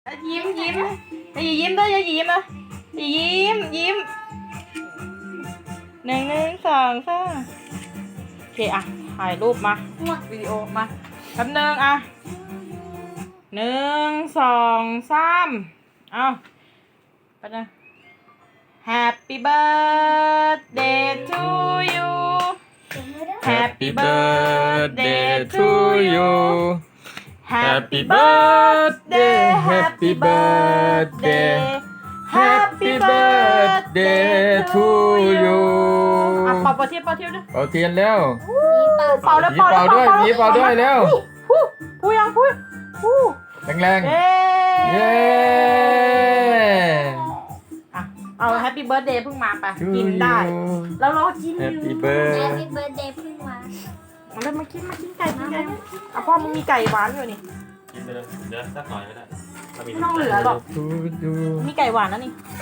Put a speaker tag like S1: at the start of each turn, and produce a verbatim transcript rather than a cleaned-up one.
S1: ยิ้มยิ้มอย่ายิ้มด้วยอย่ายิ้มนะอย่ายิ้มยิ้มหนึ่งหนึ่งสองสามโอเคอ่ะถ่ายรูปมาวิดีโอมาแป๊บนึงอ่ะหนึ่งสองสามเอาไปนะ Happy birthday to you Happy birthday to you Happy birthday Happy birthday Happy birthday to you อ่ะเป่าเป่าเทียนเป่าเทียนด้วย
S2: เป่าเทียนแล้ว
S1: เป่าแล้ว
S2: ผีเป่าด้วยผีเป่าด้วยเร็ว
S1: พูดพูดยังพูดพูด
S2: แรง
S1: เย้
S2: ๆเย้
S1: อ่ะเอา Happy birthday เพิ่งมาไป
S2: To
S1: กินได้
S2: you
S1: แล้วรอกินอยู่
S2: Happy birthday
S3: Happy birthday เพิ่งมา
S1: เอาเลยมากินมากินไก่กินไก่อ่ะพ่อมึงมีไก่หวานอยู่นี่
S4: กินไปเลยเดี๋ยวสักหน่อยก็ได้ถ้ามี
S1: ไม่ต้องเหลือหรอก
S2: To you
S1: มีไก่หวานนะนี่